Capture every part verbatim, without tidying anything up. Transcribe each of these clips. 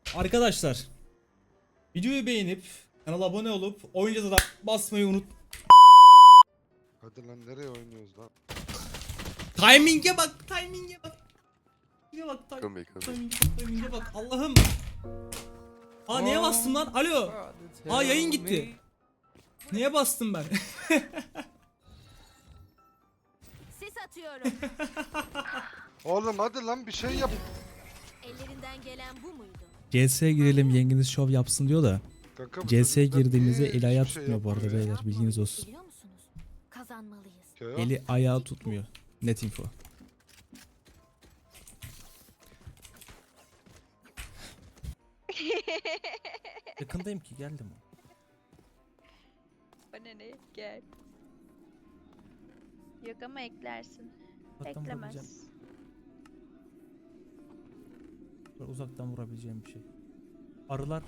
Arkadaşlar, videoyu beğenip kanala abone olup oyuncaza da basmayı unut. Hadi lan nereye oynuyoruz lan? Timing'e bak, timing'e bak. Timing'e bak, tim- Come come timing'e bak, timing'e bak. Allah'ım. Aa niye bastım lan? Alo. Aa yayın gitti. Niye bastım ben? Sis atıyorum. Oğlum hadi lan bir şey yap. Ellerinden gelen bu muydu? C S'ye girelim yengeniz şov yapsın diyor da. Kanka, bu C S'ye çocuklar girdiğimizde niye el ayağı hiçbir şey tutmuyor bu arada yapmıyor ya? beyler, bilginiz olsun. Biliyor musunuz? Kazanmalıyız. Ya, Eli ayağı tutmuyor. Net info. Yakındayım ki, geldim. Bana ne? Gel. Yok ama eklersin. Uzaktan vurabileceğim, Eklemez. uzaktan vurabileceğim bir şey. Arılar.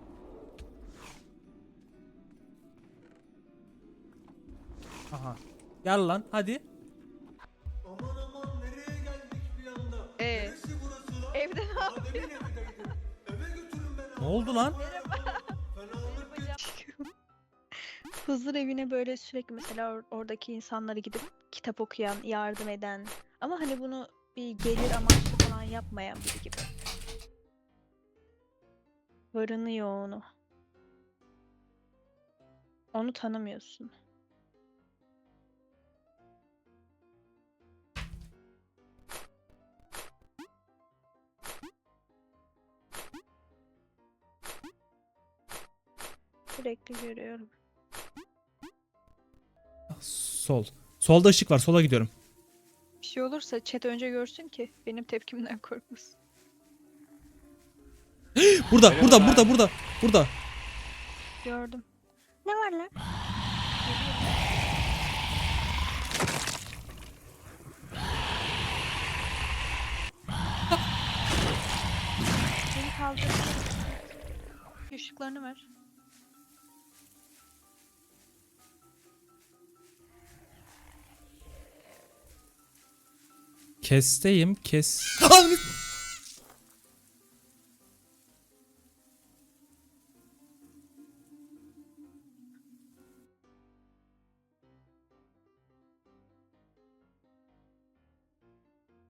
Aha. Gel lan hadi. Aman aman nereye geldik bir anda? Ee, Neresi burası lan? evde ne Daha yapıyorsun? demin evdeydim. Eve götürün beni. Ne oldu lan? Fenalık geçti. Huzur evine böyle sürekli mesela or- oradaki insanlara gidip kitap okuyan, yardım eden ama hani bunu bir gelir amaçlı falan yapmayan biri gibi. Varını yoğunu. Onu tanımıyorsun. Sürekli görüyorum. Sol. Solda ışık var, sola gidiyorum. Bir şey olursa chat önce görsün ki benim tepkimden korkmasın. Burada, burada, burada, burada, burada. Gördüm. Ne var lan? Beni kaldır. Işıklarını ver. Kesteyim, kes.